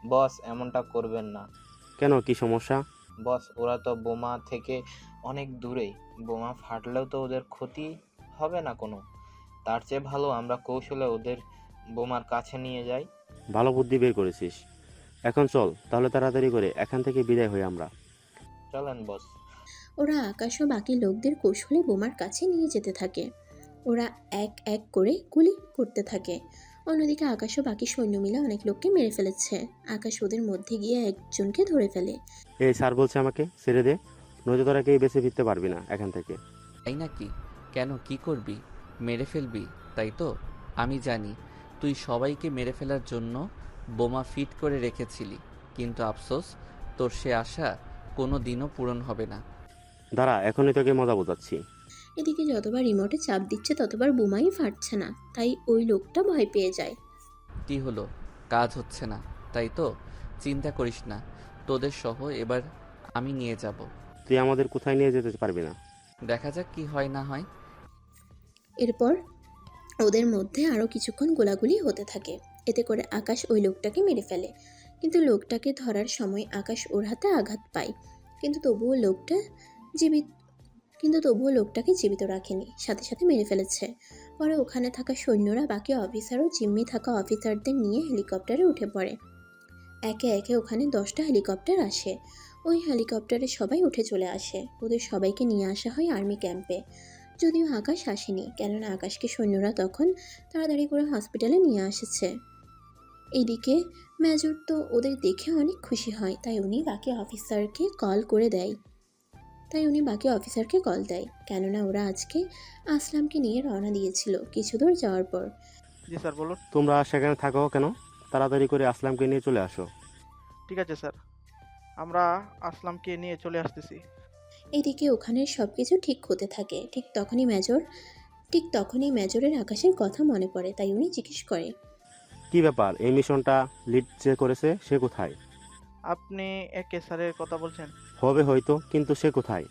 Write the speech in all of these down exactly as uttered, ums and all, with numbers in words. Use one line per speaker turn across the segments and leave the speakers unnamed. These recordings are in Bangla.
বস, এমনটা করবেন না।
কেন, কি সমস্যা?
বস, ওরা তো বোমা থেকে অনেক দূরেই। বোমা ফাটলেও তো ওদের ক্ষতি হবে না কোনো। তার চেয়ে ভালো আমরা কৌশলে ওদের বোমার কাছে নিয়ে যাই।
ভালো বুদ্ধি বের করেছিস। এখন চল তাহলে তাড়াতাড়ি করে এখান থেকে বিদায় হই আমরা।
চলেন বস।
ওরা আকাশ ও বাকি লোকদের কৌশলে বোমার কাছে নিয়ে যেতে থাকে। ওরা এক এক করে গুলি করতে থাকে। অন্যদিকে আকাশ ও বাকি সৈন্য মিলে অনেক লোককে মেরে ফেলেছে। আকাশ ওদের মধ্যে গিয়ে একজনকে ধরে ফেলে।
এই স্যার বলছে আমাকে ছেড়ে দে, নয়তো তোরা কেউ বেঁচে ফিরতে পারবি না এখান থেকে।
তাই নাকি? কেন, কি করবি? মেরে ফেলবি, তাই তো? আমি জানি তুই সবাইকে মেরে ফেলার জন্য বোমা ফিট করে রেখেছিলি, কিন্তু আফসোস, তোর সে আশা কোনো দিনও পূরণ হবে না।
দাঁড়া, এখনই তোকে মজা বোঝাচ্ছি।
এদিকে যতবার রিমোটে চাপ দিচ্ছে ততবার বোমাই ফাটছে না, তাই ওই লোকটা ভয় পেয়ে যায়।
কি হলো? কাজ হচ্ছে না, তাই তো? চিন্তা করিস না, তোদের সহ এবার আমি নিয়ে যাব।
তুই আমাদের কোথায় নিয়ে যেতে পারবি না।
দেখা যাক কি হয় না হয়।
এরপর ওদের মধ্যে আরও কিছুক্ষণ গোলাগুলি হতে থাকে। এতে করে আকাশ ওই লোকটাকে মেরে ফেলে, কিন্তু লোকটাকে ধরার সময় আকাশ ওর হাতে আঘাত পায়। কিন্তু তবুও লোকটা জীবিত কিন্তু তবুও লোকটাকে জীবিত রাখেনি, সাথে সাথে মেরে ফেলেছে। পরে ওখানে থাকা সৈন্যরা বাকি অফিসার ও জিম্মি থাকা অফিসারদের নিয়ে হেলিকপ্টারে উঠে পড়ে। একে একে ওখানে দশটা হেলিকপ্টার আসে। ওই হেলিকপ্টারে সবাই উঠে চলে আসে। ওদের সবাইকে নিয়ে আসা হয় আর্মি ক্যাম্পে। যদিও আকাশ আসেনি, কেননা আকাশকে সৈন্যরা তখন তাড়াতাড়ি করে হসপিটালে নিয়ে এসেছে। এইদিকে মেজর তো ওদের দেখে অনেক খুশি হয়, তাই উনি বাকি অফিসারকে কল করে দেয় তাই উনি বাকি অফিসারকে কল দেয় কেননা ওরা আজকে আসলামকে নিয়ে রওনা দিয়েছিল কিছু দূর যাওয়ার পর।
জি স্যার, বলুন।
তোমরা সেখানে থাকো কেন? তাড়াতাড়ি করে আসলামকে নিয়ে চলে আসো।
ঠিক আছে স্যার, আমরা আসলামকে নিয়ে চলে আসতেছি।
এদিকে ওখানে সব কিছু ঠিক হতে থাকে। ঠিক তখনই মেজর ঠিক তখনই মেজরের আকাশের কথা মনে পড়ে, তাই উনি জিজ্ঞেস করে।
কি ব্যাপার, এই মিশনটা লিড যে করেছে সে কোথায়?
আপনি একে স্যারের কথা বলছেন?
হবে হয়তো, কিন্তু সে কোথায়?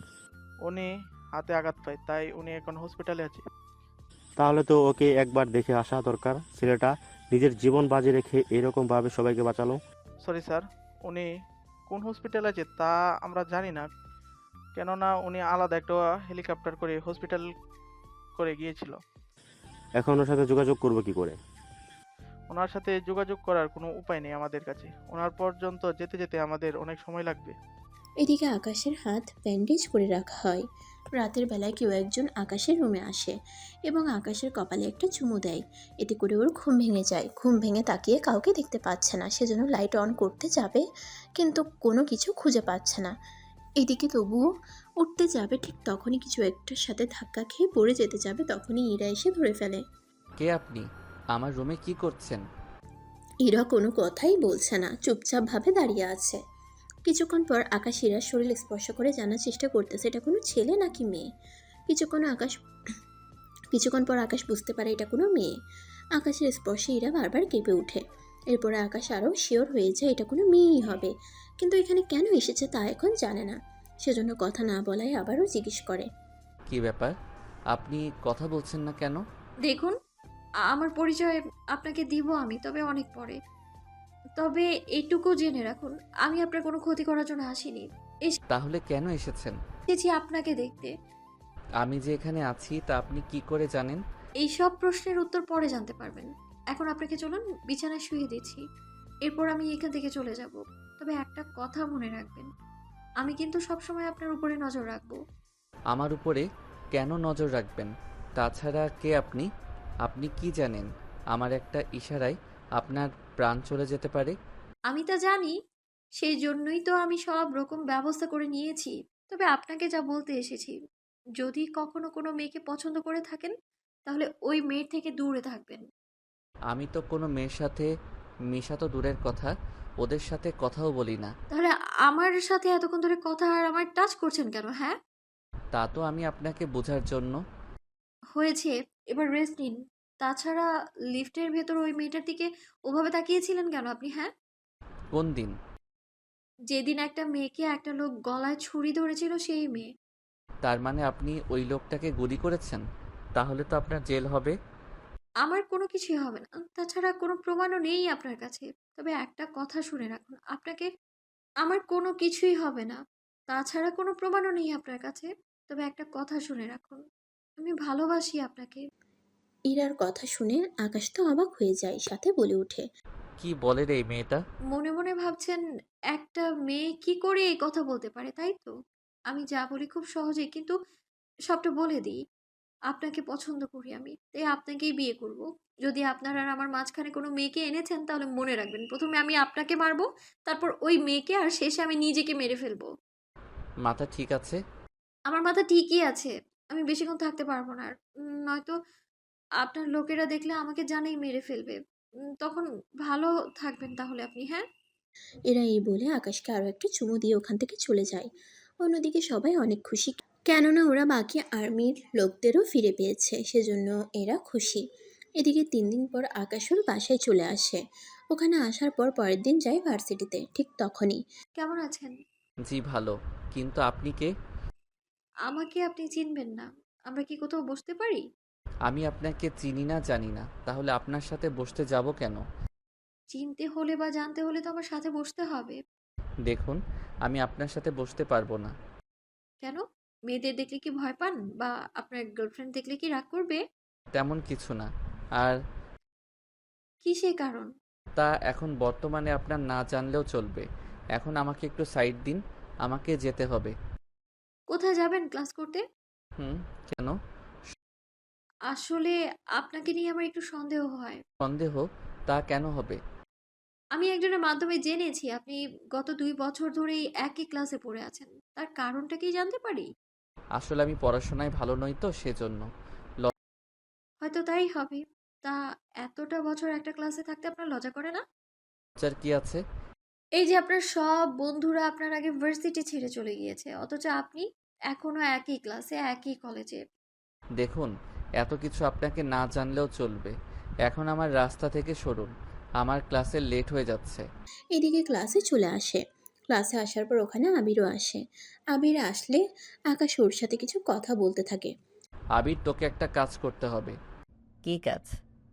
উনি হাতে আঘাত পায়, তাই উনি এখন হসপিটালে আছে।
তাহলে তো ওকে একবার দেখে আসা দরকার। ছেলেটা নিজের জীবন বাজি রেখে এরকম ভাবে সবাইকে বাঁচালো।
সরি স্যার, উনি কোন হসপিটালে আছে তা আমরা জানি না, কেননা উনি আলাদা একটা হেলিকপ্টার করে হসপিটাল করে গিয়েছিল।
এখন ওর সাথে যোগাযোগ করবো কি করে?
ওনার সাথে যোগাযোগ করার কোনো উপায় নেই আমাদের কাছে। ওনার পর্যন্ত যেতে যেতে আমাদের অনেক সময় লাগবে।
এদিকে আকাশের হাত ব্যান্ডেজ করে রাখা হয়। রাতের বেলায় কেউ একজন আকাশের রুমে আসে এবং আকাশের কপালে একটা চুমু দেয়। এতে করে ওর ঘুম ভেঙে যায়। ঘুম ভেঙে তাকিয়ে কাউকে দেখতে পাচ্ছে না, সেজন্য লাইট অন করতে যাবে, কিন্তু কোনো কিছু খুঁজে পাচ্ছে না। এদিকে তবুও উঠতে যাবে, ঠিক তখনই কিছু একটার সাথে ধাক্কা খেয়ে পড়ে যেতে যাবে, তখনই ইরা এসে ধরে ফেলে।
কে আপনি? আমার রুমে কি করছেন?
ইরা কোনো কথাই বলছে না, চুপচাপ ভাবে দাঁড়িয়ে আছে। কিছুক্ষণ পর আকাশ ইরার শরীর স্পর্শ করে জানার চেষ্টা করতেছে এটা কোনো ছেলে নাকি মেয়ে। কিছুক্ষণ আকাশ কিছুক্ষণ পর আকাশ বুঝতে পারে এটা কোনো মেয়ে। আকাশের স্পর্শে ইরা বারবার কেঁপে ওঠে। এরপরে আকাশ আরও শিওর হয়ে যায় এটা কোনো মেয়েই হবে, কিন্তু এখানে কেন এসেছে তা এখন জানে না। সেজন্য কথা না বলায় আবারও জিজ্ঞেস করে।
কি ব্যাপার, আপনি কথা বলছেন না কেন?
দেখুন, আমার পরিচয় আপনাকে দিব আমি, তবে অনেক পরে। তবে এইটুকু জেনে রাখুন, আমি আপনার কোনো ক্ষতি করার জন্য আসিনি।
তাহলে কেন এসেছেন?
এসেছি আপনাকে দেখতে।
আমি যে এখানে আছি তা আপনি কি করে জানেন?
এই সব প্রশ্নের উত্তর পরে জানতে পারবেন। এখন আপনাকে চলুন, বিছানায় শুয়ে দিচ্ছি। এরপর আমি এখান থেকে চলে যাব। তবে একটা কথা মনে রাখবেন, আমি কিন্তু সবসময় আপনার উপরে নজর রাখবো।
আমার উপরে কেন নজর রাখবেন? তাছাড়া কে আপনি? আপনি কি জানেন আমার একটা ইশারায় আপনার প্রাণ চলে যেতে পারে?
আমি তা জানি, সেই জন্যই তো আমি সব রকম ব্যবস্থা করে নিয়েছি। তবে আপনাকে যা বলতে এসেছি, যদি কখনো কোনো মেয়েকে পছন্দ করে থাকেন, তাহলে ওই মেয়ের থেকে দূরে থাকবেন।
আমি তো কোনো মেয়ের সাথে মেশা তো দূরের কথা, ওদের সাথে কথাও বলি না।
তাহলে আমার সাথে এতক্ষণ ধরে কথা আর আমার টাচ করছেন কেন, হ্যাঁ?
তা তো আমি আপনাকে বোঝার জন্য।
হয়েছে, এবার রেস্ট নিন। তাছাড়া লিফটের ভেতর ওই মেয়েটার দিকে ওভাবে তাকিয়েছিলেন কেন আপনি, হ্যাঁ?
কোন দিন?
যেদিন একটা মেয়েকে একটা লোক গলায় ছুরি ধরেছিল, সেই মেয়ে।
তার মানে আপনি ওই লোকটাকে গুলি করেছেন? তাহলে তো আপনার জেল হবে।
আমার কোনো কিছুই হবে না। তাছাড়া কোনো প্রমাণও নেই আপনার কাছে। তবে একটা কথা শুনে রাখুন, আপনাকে আমার কোনো কিছুই হবে না। তাছাড়া কোনো প্রমাণও নেই আপনার কাছে। তবে একটা কথা শুনে রাখুন, আমি ভালোবাসি আপনাকে।
ইরার কথা শুনে আকাশ তো অবাক হয়ে যায়, সাথে বলে ওঠে,
কি বলে রে এই মেয়েটা?
মনে, মনে ভাবছেন একটা মেয়ে কি করে এই কথা বলতে পারে, তাই তো? আমি যা বলি খুব সহজেই কিন্তু সবটা বলে দিই। আপনাকে পছন্দ করি আমি। তাই আপনাকেই বিয়ে করব। যদি আপনার আর আমার মাঝখানে কোনো মেয়েকে এনেছেন তাহলে মনে রাখবেন প্রথম এ আমি আপনাকে মারবো, তারপর ওই মেয়েকে আর শেষে আমি নিজেকে মেরে ফেলবো।
মাথা ঠিক আছে?
আমার মাথা ঠিকই আছে। আমি বেশিক্ষণ থাকতে পারব না আর। উম নয়তো আপনার লোকেরা দেখলে আমাকে জানেই মেরে ফেলবে। উম তখন ভালো থাকবেন তাহলে আপনি, হ্যাঁ?
এরা এই বলে আকাশকে আরও একটা চুমু দিয়ে ওখান থেকে চলে যায়। অন্যদিকে সবাই অনেক খুশি, কেননা ওরা বাকি আর্মির লোকদেরও ফিরে পেয়েছে, সেজন্য এরা খুশি। এদিকে তিন দিন পর আকাশ ওর বাসায় চলে আসে। ওখানে আসার পর পরের দিন যায় ভার্সিটিতে। ঠিক তখনই
কেমন আছেন?
জি ভালো। কিন্তু আপনি কে?
আমাকে আপনি চিনবেন না। আমরা কি কোথাও বসতে পারি?
আমি আপনাকে চিনি না জানি না, তাহলে আপনার সাথে বসতে যাব কেন?
চিনতে হলে বা জানতে হলে তো আমার সাথে বসতে হবে।
দেখুন, আমি আপনার সাথে বসতে পারবো না।
কেন? মেয়েদের দেখলে কি ভয় পান? বা আপনার গার্লফ্রেন্ড দেখলে কি রাগ করবে?
তেমন কিছু না। আর
কি সে কারণ?
তা এখন বর্তমানে আপনার না জানলেও চলবে। এখন আমাকে একটু সাইড দিন, আমাকে যেতে হবে।
কোথায় যাবেন ক্লাস করতে?
হুম, কেন?
আসলে আপনাকে নিয়ে আমার একটু সন্দেহ হয়।
সন্দেহ? তা কেন হবে?
আমি একজনের মাধ্যমে জেনেছি আপনি গত দুই বছর ধরেই একই ক্লাসে পড়ে আছেন। তার কারণটা কি জানতে পারি?
আসলে আমি পড়াশোনায় ভালো নই তো সেজন্য।
হয়তো তাই হবে। তা এতটা বছর একটা ক্লাসে থাকতে আপনার লজ্জা করে না?
লজ্জার কি আছে?
এই যে আপনার সব বন্ধুরা আপনার আগে ভার্সিটি ছেড়ে চলে গিয়েছে, অথচ আপনি এখনো একই ক্লাসে, একই কলেজে।
দেখুন, এত কিছু আপনাকে না জানলেও চলবে। এখন আমার রাস্তা থেকে সরুন, আমার ক্লাসে লেট হয়ে যাচ্ছে।
এদিকে ক্লাসে চলে আসে। ক্লাসে আসার পর ওখানে আবিরও আসে। আবির আসলে আকাশ ওর সাথে কিছু কথা বলতে থাকে।
আবির, তোকে একটা কাজ করতে হবে।
কি কাজ?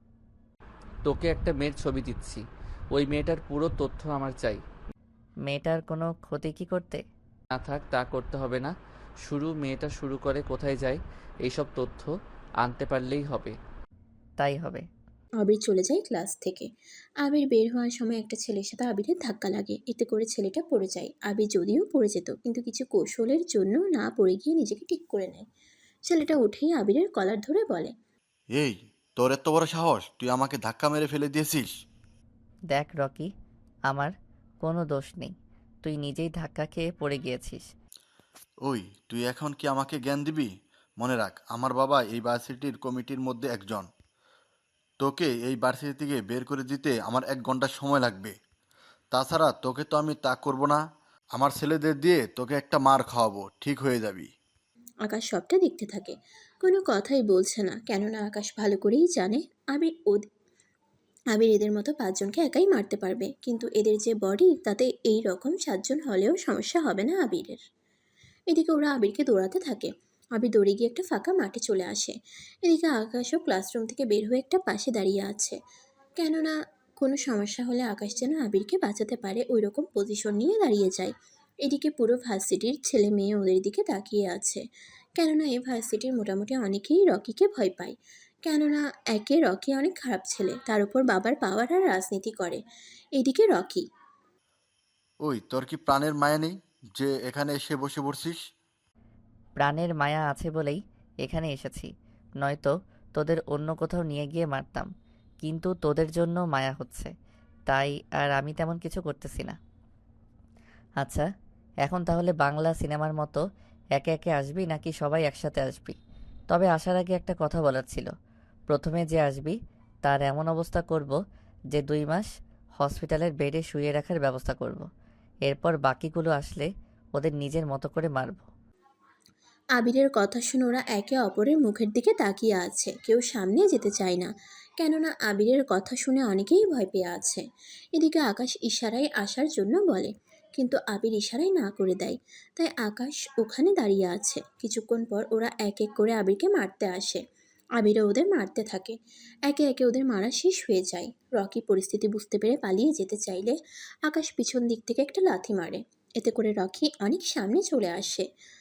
তোকে একটা মেয়ের ছবি দিচ্ছি, ওই মেয়েটার পুরো তথ্য আমার চাই।
মেয়েটার কোনো ক্ষতি কি করতে?
না থাক, তা করতে হবে না। শুরু মেয়েটা শুরু করে কোথায় যায় এইসব তথ্য আনতে পারলেই হবে।
তাই হবে।
আবির চলে যায় ক্লাস থেকে। আবির বের হওয়ার সময় একটা ছেলের সাথে আবিরের ধাক্কা লাগে, এতে করে ছেলেটা পড়ে যায়। আবির যদিও পড়ে যেত, কিন্তু কিছু কৌশলের জন্য না পড়ে গিয়ে নিজেকে ঠিক করে নেয়। ছেলেটা উঠেই আবিরের কলার ধরে বলে,
এই, তোর এত বড় সাহস, তুই আমাকে ধাক্কা মেরে ফেলে দিয়েছিস?
দেখ রকি, আমার কোনো দোষ নেই। তুই নিজেই ধাক্কা খেয়ে পড়ে গিয়েছিস।
ওই, তুই এখন কি আমাকে জ্ঞান দিবি? মনে রাখ, আমার বাবা এই ভার্সিটির কমিটির মধ্যে একজন। তোকে এই ভার্সিটি থেকে বের করে দিতে আমার এক ঘন্টা সময় লাগবে। তাছাড়া তোকে তো আমি তা করব না, আমার ছেলেদের দিয়ে তোকে একটা মার খাওয়াবো, ঠিক হয়ে যাবি।
আকাশ সবটা দেখতে থাকে, কোনো কথাই বলছে না, কেননা আকাশ ভালো করেই জানে আবির ওদ- আবির এদের মতো পাঁচজনকে একাই মারতে পারবে, কিন্তু এদের যে বডি তাতে এই রকম সাতজন হলেও সমস্যা হবে না আবিরের। এদিকে ওরা আবিরকে দৌড়াতে থাকে। আবির দৌড়ে গিয়ে একটা ফাঁকা মাঠে চলে আসে। এদিকে আকাশও ক্লাসরুম থেকে বের হয়ে একটা পাশে দাঁড়িয়ে আছে, কেননা কোনো সমস্যা হলে আকাশ যেন আবিরকে বাঁচাতে পারে ওই রকম পজিশন নিয়ে দাঁড়িয়ে যায়। এদিকে পুরো ভার্সিটির ছেলে মেয়ে ওদের দিকে তাকিয়ে আছে, কেননা এই ভার্সিটির মোটামুটি অনেকেই রকিকে ভয় পায়, কেননা একে রকি অনেক খারাপ ছেলে, তার উপর বাবার পাওয়ার আর রাজনীতি করে। এদিকে রকি,
ওই, তোর কি প্রাণের মায়া নেই যে এখানে এসে বসে পড়ছিস?
প্রাণের মায়া আছে বলেই এখানে এসেছি, নয়তো তোদের অন্য কোথাও নিয়ে গিয়ে মারতাম। কিন্তু তোদের জন্য মায়া হচ্ছে, তাই আর আমি তেমন কিছু করতেছি না। আচ্ছা, এখন তাহলে বাংলা সিনেমার মতো একে একে আসবি নাকি সবাই একসাথে আসবি? তবে আসার আগে একটা কথা বলার ছিল। প্রথমে যে আসবি তার এমন অবস্থা করব যে দুই মাস হসপিটালের বেডে শুয়ে রাখার ব্যবস্থা করব। এরপর বাকিগুলো আসলে ওদের নিজের মতো করে মারব।
আবিরের কথা শুনে ওরা একে অপরের মুখের দিকে তাকিয়ে আছে, কেউ সামনে যেতে চায় না, কেননা আবিরের কথা শুনে অনেকেই ভয় পেয়ে আছে। এদিকে আকাশ ইশারায় আসার জন্য বলে, কিন্তু আবির ইশারায় না করে দেয়। তাই আকাশ ওখানে দাঁড়িয়ে আছে। কিছুক্ষণ পর ওরা এক এক করে আবিরকে মারতে আসে। আবিরও ওদের মারতে থাকে। একে একে ওদের মারা শেষ হয়ে যায়। রকি পরিস্থিতি বুঝতে পেরে পালিয়ে যেতে চাইলে আকাশ পিছন দিক থেকে একটা লাথি মারে। এতে করে রকি অনেক সামনে চলে আসে।